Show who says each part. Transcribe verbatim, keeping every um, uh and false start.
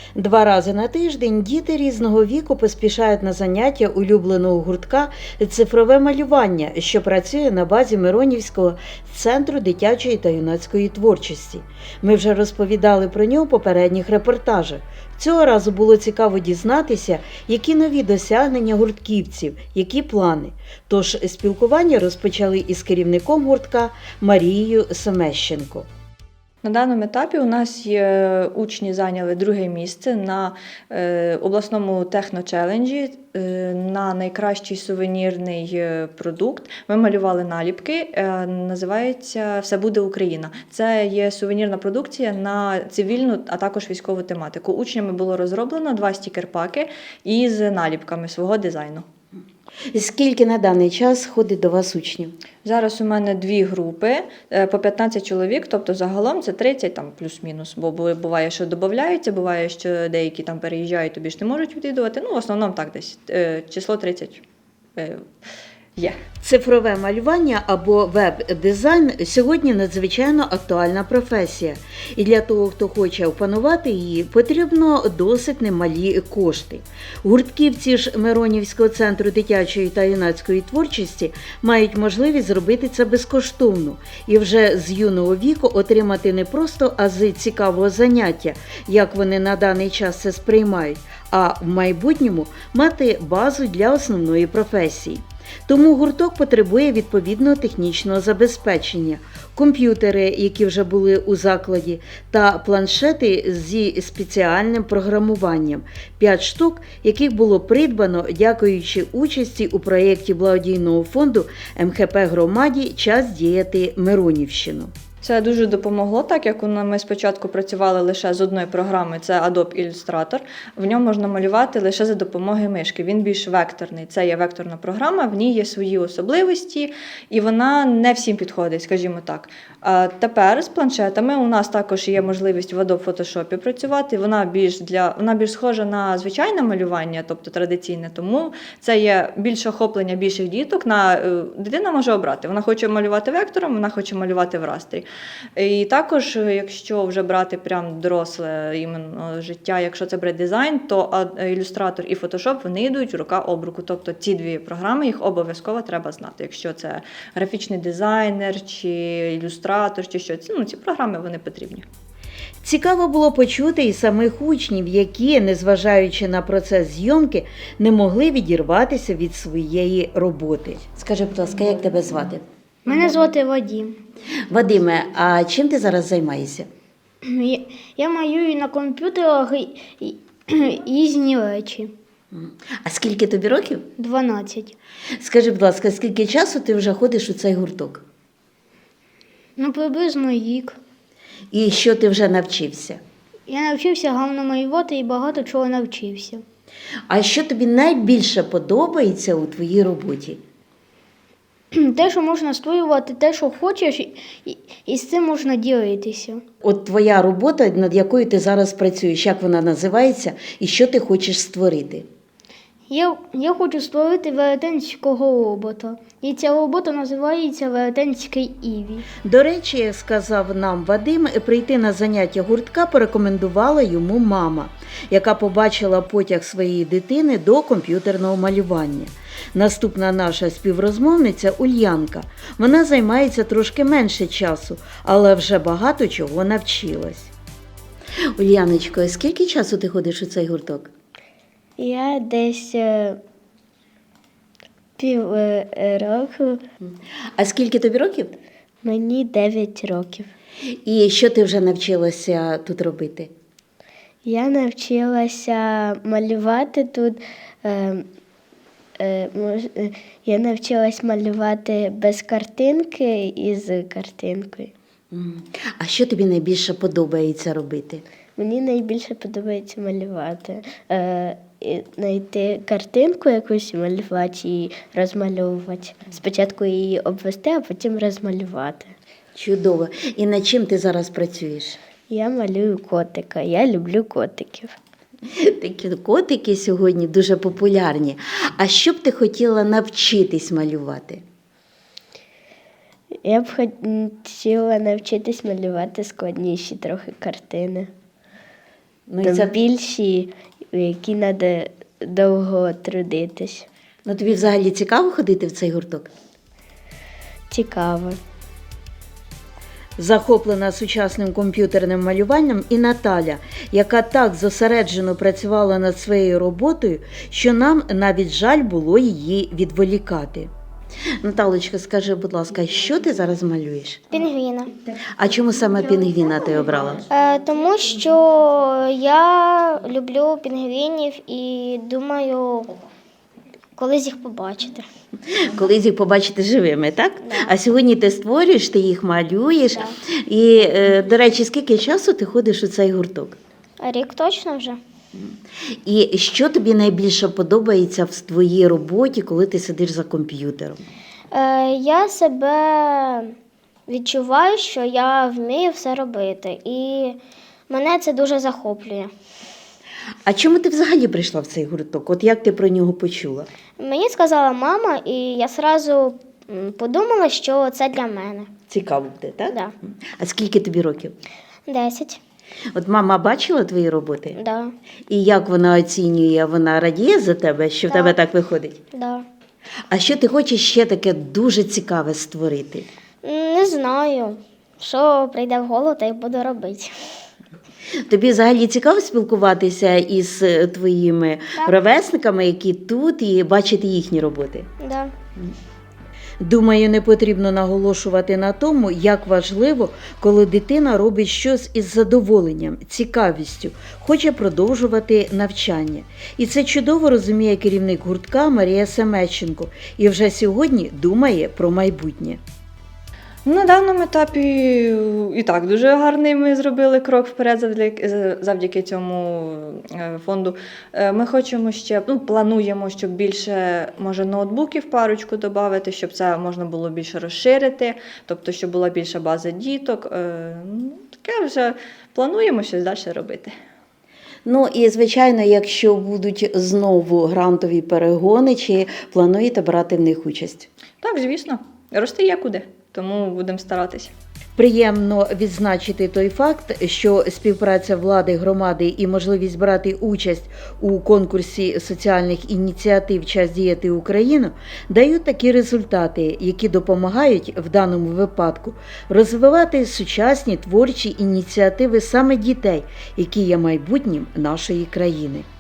Speaker 1: Два рази на тиждень діти різного віку поспішають на заняття улюбленого гуртка «Цифрове малювання», що працює на базі Миронівського центру дитячої та юнацької творчості. Ми вже розповідали про нього в попередніх репортажах. Цього разу було цікаво дізнатися, які нові досягнення гуртківців, які плани. Тож спілкування розпочали із керівником гуртка Марією Семещенко.
Speaker 2: На даному етапі у нас є учні зайняли друге місце на е, обласному техночеленджі е, на найкращий сувенірний е, продукт. Ми малювали наліпки, е, називається «Все буде Україна». Це є сувенірна продукція на цивільну, а також військову тематику. Учнями було розроблено два стікер-паки із наліпками свого дизайну.
Speaker 1: Скільки на даний час ходить до вас учнів?
Speaker 2: Зараз у мене дві групи, по п'ятнадцять чоловік, тобто загалом це тридцять, там плюс-мінус, бо буває, що додаються, буває, що деякі там переїжджають, тобі ж не можуть відвідувати, ну в основному так десь, число тридцять є.
Speaker 1: Цифрове малювання або веб-дизайн сьогодні надзвичайно актуальна професія. І для того, хто хоче опанувати її, потрібно досить немалі кошти. Гуртківці ж Миронівського центру дитячої та юнацької творчості мають можливість зробити це безкоштовно і вже з юного віку отримати не просто ази цікавого заняття, як вони на даний час це сприймають, а в майбутньому мати базу для основної професії. Тому гурток потребує відповідного технічного забезпечення, комп'ютери, які вже були у закладі, та планшети зі спеціальним програмуванням, п'ять штук, яких було придбано, дякуючи участі у проєкті благодійного фонду ем ха пе громаді «Час діяти Миронівщину».
Speaker 2: Це дуже допомогло, так як ми спочатку працювали лише з одної програми, це Adobe Illustrator. В ньому можна малювати лише за допомогою мишки. Він більш векторний. Це є векторна програма, в ній є свої особливості, і вона не всім підходить, скажімо так. А тепер з планшетами у нас також є можливість в Adobe Photoshop працювати. Вона більш, для, вона більш схожа на звичайне малювання, тобто традиційне, тому це є більше охоплення більших діток. На, дитина може обрати. Вона хоче малювати вектором, вона хоче малювати в растрі. І також, якщо вже брати прям доросле іменно життя, якщо це брати дизайн, то ілюстратор і фотошоп, вони йдуть рука об руку. Тобто ці дві програми, їх обов'язково треба знати. Якщо це графічний дизайнер, чи ілюстратор, чи що, ну, ці програми вони потрібні.
Speaker 1: Цікаво було почути і самих учнів, які, незважаючи на процес зйомки, не могли відірватися від своєї роботи. Скажи, будь ласка, як тебе звати?
Speaker 3: Мене звати Вадим.
Speaker 1: Вадиме, а чим ти зараз займаєшся?
Speaker 3: Я, я малюю на комп'ютерах і, і, різні речі.
Speaker 1: А скільки тобі років?
Speaker 3: дванадцять.
Speaker 1: Скажи, будь ласка, скільки часу ти вже ходиш у цей гурток?
Speaker 3: Ну, приблизно рік.
Speaker 1: І що ти вже навчився?
Speaker 3: Я навчився гарно малювати і багато чого навчився.
Speaker 1: А що тобі найбільше подобається у твоїй роботі?
Speaker 3: Те, що можна створювати, те, що хочеш, і, і, і з цим можна ділитися.
Speaker 1: От твоя робота, над якою ти зараз працюєш, як вона називається і що ти хочеш створити?
Speaker 3: Я, я хочу створити велетенського робота. І ця робота називається «Велетенський Іві».
Speaker 1: До речі, як сказав нам Вадим, прийти на заняття гуртка порекомендувала йому мама, яка побачила потяг своєї дитини до комп'ютерного малювання. Наступна наша співрозмовниця Ульянка. Вона займається трошки менше часу, але вже багато чого навчилась. Ульяночко, скільки часу ти ходиш у цей гурток?
Speaker 3: Я десь е, пів е, року,
Speaker 1: А скільки тобі років?
Speaker 3: мені дев'ять років.
Speaker 1: І що ти вже навчилася тут робити?
Speaker 3: Я навчилася малювати тут. Е, е, мож, е, я навчилась малювати без картинки і з картинкою.
Speaker 1: А що тобі найбільше подобається робити?
Speaker 3: Мені найбільше подобається малювати. Е, і знайти картинку якусь, малювати і розмальовувати. Спочатку її обвести, а потім розмалювати.
Speaker 1: Чудово. І над чим ти зараз працюєш?
Speaker 3: Я малюю котика. Я люблю котиків.
Speaker 1: Такі котики сьогодні дуже популярні. А що б ти хотіла навчитись малювати?
Speaker 3: Я б хотіла навчитись малювати складніші трохи картини.
Speaker 1: Ну, і
Speaker 3: там
Speaker 1: це...
Speaker 3: більші, в які треба довго трудитись.
Speaker 1: ну, тобі взагалі цікаво ходити в цей гурток?
Speaker 3: Цікаво.
Speaker 1: Захоплена сучасним комп'ютерним малюванням і Наталя, яка так зосереджено працювала над своєю роботою, що нам навіть жаль було її відволікати. Наталочка, скажи, будь ласка, що ти зараз малюєш?
Speaker 4: Пінгвіна.
Speaker 1: А чому саме пінгвіна ти обрала?
Speaker 4: Е, тому що я люблю пінгвінів і думаю, колись їх побачити.
Speaker 1: Колись їх побачити живими, так?
Speaker 4: Да.
Speaker 1: А сьогодні ти створюєш, ти їх малюєш.
Speaker 4: Да.
Speaker 1: І, е, до речі, скільки часу ти ходиш у цей гурток?
Speaker 4: А рік точно вже.
Speaker 1: І що тобі найбільше подобається в твоїй роботі, коли ти сидиш за комп'ютером?
Speaker 4: Е, я себе відчуваю, що я вмію все робити. І мене це дуже захоплює.
Speaker 1: А чому ти взагалі прийшла в цей гурток? От як ти про нього почула?
Speaker 4: Мені сказала мама, і я одразу подумала, що це для мене.
Speaker 1: Цікаво буде, так?
Speaker 4: Да.
Speaker 1: А скільки тобі років?
Speaker 4: Десять.
Speaker 1: От мама бачила твої роботи?
Speaker 4: Да.
Speaker 1: І як вона оцінює? Вона радіє за тебе, що в
Speaker 4: Так.
Speaker 1: тебе так виходить?
Speaker 4: Да.
Speaker 1: А що ти хочеш ще таке дуже цікаве створити?
Speaker 4: Не знаю, що прийде в голову, та й буду робити.
Speaker 1: Тобі взагалі цікаво спілкуватися із е, твоїми
Speaker 4: Так.
Speaker 1: ровесниками, які тут, і бачити їхні роботи?
Speaker 4: Да.
Speaker 1: Думаю, не потрібно наголошувати на тому, як важливо, коли дитина робить щось із задоволенням, цікавістю, хоче продовжувати навчання. І це чудово розуміє керівник гуртка Марія Семеченко і вже сьогодні думає про майбутнє.
Speaker 2: На даному етапі і так дуже гарний ми зробили крок вперед завдяки, завдяки цьому е, фонду. Е, Ми хочемо ще, ну, плануємо, щоб більше, може, ноутбуків парочку додати, щоб це можна було більше розширити, тобто, щоб була більша база діток. Е, ну, Таке вже плануємо щось далі робити.
Speaker 1: Ну і, звичайно, якщо будуть знову грантові перегони, чи плануєте брати в них участь?
Speaker 2: Так, звісно, рости є куди, тому будемо старатися.
Speaker 1: Приємно відзначити той факт, що співпраця влади, громади і можливість брати участь у конкурсі соціальних ініціатив «Час діяти Україну» дають такі результати, які допомагають в даному випадку розвивати сучасні творчі ініціативи саме дітей, які є майбутнім нашої країни.